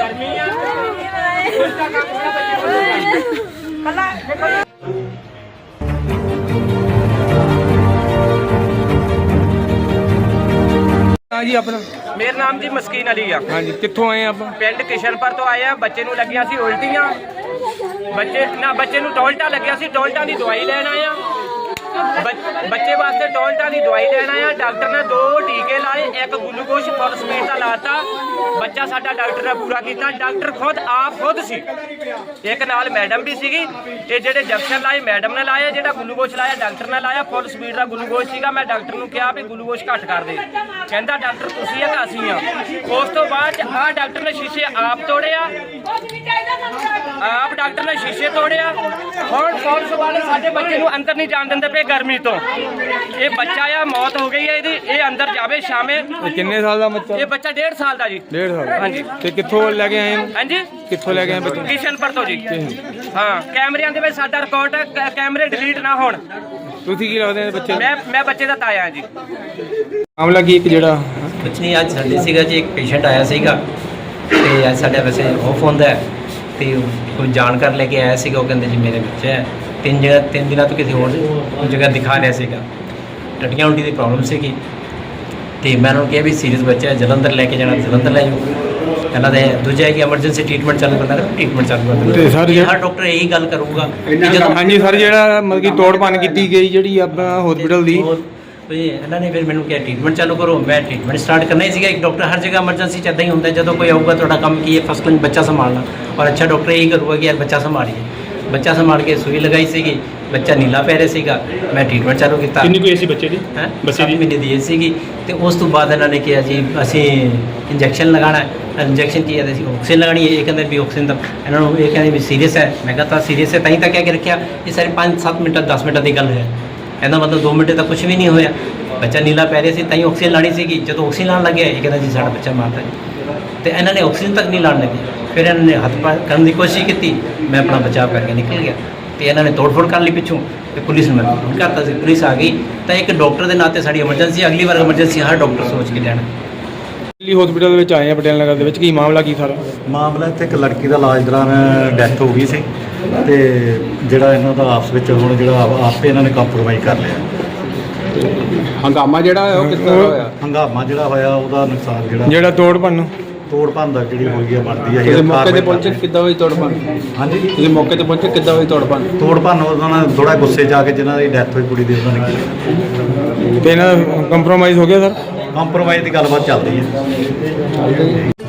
हाँ जी अपना मेरा नाम जी मस्कीन अली है। हाँ जी कित्थों आए आप? पिंड किशनपुर तो आए हैं। बच्चे नूं लगियां सी उल्टियां, बच्चे नूं टोलटा लग्या सी, टोलटा दी दवाई लैण आए हैं। बच्चे वास्ते टोलटा की दवाई लैण आया। डॉक्टर ने 2 टीके लाए, एक ग्लूकोज फुल स्पीड का लाता। बच्चा साडा डॉक्टर ने पूरा किया। डॉक्टर खुद सी, एक नाल मैडम भी सीगी। ये जेडे इंजैक्शन लाए मैडम ने लाया, जेड़ा ग्लूकोज लाया डॉक्टर ने लाया। फुल स्पीड का ग्लूकोज सीगा। मैं डॉक्टर नूं कहा भी ग्लूकोज घट कर दे, कहंदा डॉक्टर तुसीं है कि असीं आ। उस तो बाद आ डॉक्टर ने शीशे आप तोड़िया, आप डॉक्टर ने शीशे तोड़िया। हुण पुलिस वाले साडे बच्चे नूं अंदर नहीं जाण दिंदे पे गर्मी तो। ये बच्चा आ मौत हो गई है इहदी, ये अंदर जावे शामे। कितने साल का बच्चा? ये बच्चा 1.5 साल का जी। 1.5 साल? हाँ जी। ते कित्थों लेके आए? हाँ जी कित्थों लेके आए बच्चे? किशनपुर तो जी। हाँ कैमरिਆਂ ਦੇ ਵਿੱਚ ਸਾਡਾ ਰਿਕਾਰਡ ਹੈ, कैमरे डिलीट ना होण। ਤੁਸੀਂ ਕੀ ਲੱਗਦੇ ਬੱਚੇ? मैं बच्चे ਦਾ ਤਾਇਆ ਹਾਂ ਜੀ। ਮਾਮਲਾ ਕੀ ਇੱਕ ਜਿਹੜਾ ਕੁਛ ਨਹੀਂ, ਅੱਜ ਸਾਡੇ ਸੀਗਾ ਜੀ ਇੱਕ ਪੇਸ਼ੈਂਟ ਆਇਆ ਸੀਗਾ ਤੇ ਅੱਜ ਸਾਡਾ ਵੈਸੇ ਆਫ ਹੁੰਦਾ ਤੇ ਕੋਈ ਜਾਣਕਾਰ ਲੈ ਕੇ ਆਇਆ ਸੀਗਾ। ਉਹ ਕਹਿੰਦੇ ਜੀ ਮੇਰੇ ਬੱਚਾ ਹੈ, 3 ਦਿਨਾਂ ਤੋਂ ਕਿਸੇ ਹੋਰ ਜਗ੍ਹਾ ਦਿਖਾ ਰਿਹਾ ਸੀਗਾ। ਟੱਟੀਆਂ ਉਲਟੀ ਦੀ ਪ੍ਰੋਬਲਮ ਸੀਗੀ ਤੇ ਮੈਂ ਉਹਨੂੰ ਕਿਹਾ ਵੀ ਸੀਰੀਅਸ ਬੱਚਾ ਹੈ, ਜਲੰਧਰ ਲੈ ਕੇ ਜਾਣਾ, ਜਲੰਧਰ ਲੈ ਜਾਓ। ਇਹਨਾਂ ਦੇ ਦੂਜਾ ਹੈ ਕਿ ਐਮਰਜੈਂਸੀ ਟ੍ਰੀਟਮੈਂਟ ਚਾਲੂ ਕਰਨਾ ਹੈ, ਟ੍ਰੀਟਮੈਂਟ ਚਾਲੂ ਕਰਨਾ। ਤੇ ਸਰ ਹਰ ਡਾਕਟਰ ਇਹੀ ਗੱਲ ਕਰੂਗਾ ਜਦੋਂ ਹਾਂਜੀ ਸਰ ਜਿਹੜਾ ਮਤਲਬ ਕਿ ਤੋੜ ਭੰਨ ਕੀਤੀ ਗਈ ਜਿਹੜੀ ਆਪਣਾ ਹਸਪੀਟਲ ਦੀ, ਇਹਨਾਂ ਨੇ ਫਿਰ ਮੈਨੂੰ ਕਿਹਾ ਟ੍ਰੀਟਮੈਂਟ ਚਾਲੂ ਕਰੋ। ਮੈਂ ਟ੍ਰੀਟਮੈਂਟ ਸਟਾਰਟ ਕਰਨਾ ਹੀ ਸੀਗਾ। ਇੱਕ ਡਾਕਟਰ ਹਰ ਜਗ੍ਹਾ ਐਮਰਜੈਂਸੀ 'ਚ ਇੱਦਾਂ ਹੀ ਹੁੰਦਾ, ਜਦੋਂ ਕੋਈ ਆਊਗਾ ਤੁਹਾਡਾ ਕੰਮ ਕੀ ਹੈ, ਫਸਟ ਕਲਾਸ ਬੱਚਾ ਸੰਭਾਲਣਾ। ਔਰ ਅੱਛਾ ਡਾਕਟਰ ਇਹੀ ਕਰੂਗਾ ਕਿ ਯਾਰ ਬੱਚਾ ਸੰਭਾਲੀਏ। ਬੱਚਾ ਸੰਭਾਲ ਕੇ ਸੂਈ ਲਗਾਈ ਸੀਗੀ, ਬੱਚਾ ਨੀਲਾ ਪੈ ਰਿਹਾ ਸੀਗਾ। ਮੈਂ ਟ੍ਰੀਟਮੈਂਟ ਚਾਲੂ ਕੀਤਾ। ਕਿੰਨੀ ਕੋਈ ਸੀ ਬੱਚੇ ਦੀ? ਹੈ ਬੱਚੇ ਦੀ 7 ਮਹੀਨੇ ਦੀ ਏਜ ਸੀਗੀ। ਤੇ ਉਸ ਤੋਂ ਬਾਅਦ ਇਹਨਾਂ ਨੇ ਕਿਹਾ ਜੀ ਅਸੀਂ ਇੰਜੈਕਸ਼ਨ ਲਗਾਉਣਾ ਹੈ। ਇੰਜੈਕਸ਼ਨ ਕੀ ਹੈ, ਅਸੀਂ ਆਕਸੀਜਨ ਲਗਾਉਣੀ ਹੈ। ਇਹ ਕਹਿੰਦੇ ਵੀ ਆਕਸੀਜਨ ਤਾਂ ਇਹਨਾਂ ਨੂੰ ਇਹ ਕਹਿੰਦੇ ਵੀ ਸੀਰੀਅਸ ਹੈ। ਮੈਂ ਕਹਤਾ ਸੀਰੀਅਸ ਹੈ ਤਾਂ ਹੀ ਤਾਂ ਕਹਿ ਕੇ ਰੱਖਿਆ। ਇਹ ਸਾਰੇ 5-7 ਮਿੰਟਾਂ 10 ਮਿੰਟਾਂ ਦੀ ਗੱਲ ਹੈ। ਇਹਦਾ ਮਤਲਬ 2 ਮਿੰਟ ਤੱਕ ਕੁਝ ਵੀ ਨਹੀਂ ਹੋਇਆ। ਬੱਚਾ ਨੀਲਾ ਪੈ ਰਿਹਾ ਸੀ ਤਾਂ ਹੀ ਆਕਸੀਜਨ ਲਾਣੀ ਸੀਗੀ। ਜਦੋਂ ਆਕਸੀਜਨ ਲਾਉਣ ਲੱਗਿਆ ਇਹ ਕਹਿੰਦਾ ਜੀ ਸਾਡਾ ਬੱਚਾ ਮਾਰਦਾ ਹੈ। ਤੇ ਇਹਨਾਂ ਨੇ ਆਕਸੀਜਨ ਤੱਕ ਨਹੀਂ ਲਾਉਣ ਲੱਗੇ। ਫਿਰ ਇਹਨਾਂ ਨੇ ਹੱਥ ਪਾਰ ਕਰਨ ਦੀ ਕੋਸ਼ਿਸ਼ ਕੀਤੀ। ਮੈਂ ਆਪਣਾ ਬਚਾਅ ਕਰਕੇ ਨਿਕਲ ਗਿਆ ਤੇ ਇਹਨਾਂ ਨੇ ਤੋੜ-ਫੋੜ ਕਰਨ ਲਈ ਪਿੱਛੋਂ ਤੇ ਪੁਲਿਸ ਨੂੰ ਮੈਂ ਫੋਨ ਕਰਤਾ ਸੀ। ਪੁਲਿਸ ਆ ਗਈ ਤਾਂ ਇੱਕ ਡਾਕਟਰ ਦੇ ਨਾਤੇ ਸਾਡੀ ਐਮਰਜੈਂਸੀ, ਅਗਲੀ ਵਾਰ ਐਮਰਜੈਂਸੀ ਹਰ ਡਾਕਟਰ ਸੋਚ ਕੇ ਲੈਣਾ। ਦਿੱਲੀ ਹਸਪੀਟਲ ਦੇ ਵਿੱਚ ਆਏ ਆ ਪਟਿਆਲਾ ਨਗਰ ਦੇ ਵਿੱਚ। ਕੀ ਮਾਮਲਾ ਕੀ ਸਾਰਾ? ਮਾਮਲਾ ਇੱਥੇ ਇੱਕ ਲੜਕੀ ਦਾ ਇਲਾਜ ਦੌਰਾਨ ਡੈਥ ਹੋ ਗਈ ਸੀ ਤੇ ਜਿਹੜਾ ਇਹਨਾਂ ਦਾ ਆਪਸ ਵਿੱਚ ਹੁਣ ਜਿਹੜਾ ਆਪੇ ਇਹਨਾਂ ਨੇ ਕੰਪਰੋਮਾਈਜ਼ ਕਰ ਲਿਆ। ਹੰਗਾਮਾ ਜਿਹੜਾ ਹੋਇਆ ਉਹ ਕਿਸ ਤਰ੍ਹਾਂ ਹੋਇਆ? ਹੰਗਾਮਾ ਜਿਹੜਾ ਹੋਇਆ ਉਹਦਾ ਨੁਕਸਾਨ ਜਿਹੜਾ ਤੋੜ ਭੰਨ ਦਾ ਜਿਹੜੀ ਹੋਈ ਹੈ ਬਣਦੀ ਹੈ। ਤੁਸੀਂ ਮੌਕੇ ਤੇ ਪਹੁੰਚੇ ਕਿੱਦਾਂ ਹੋਈ ਤੋੜ ਭੰਨ? ਹਾਂਜੀ ਤੁਸੀਂ ਮੌਕੇ ਤੇ ਪਹੁੰਚੇ ਕਿੱਦਾਂ ਹੋਈ ਤੋੜ ਭੰਨ? ਉਹਨਾਂ ਨੇ ਥੋੜਾ ਗੁੱਸੇ 'ਚ ਆ ਕੇ ਜਿਨ੍ਹਾਂ ਦੀ ਡੈਥ ਹੋਈ ਕੁੜੀ ਦੀ ਉਹਨਾਂ ਨੇ ਕੀਤੀ। ਤੇ ਇਹਨਾਂ ਕੰਪਰੋਮਾਈਜ਼ ਹੋ ਗਿਆ ਸਰ? ਕੰਪਰੋਮਾਈਜ਼ ਦੀ ਗੱਲਬਾਤ ਚੱਲਦੀ ਹੈ।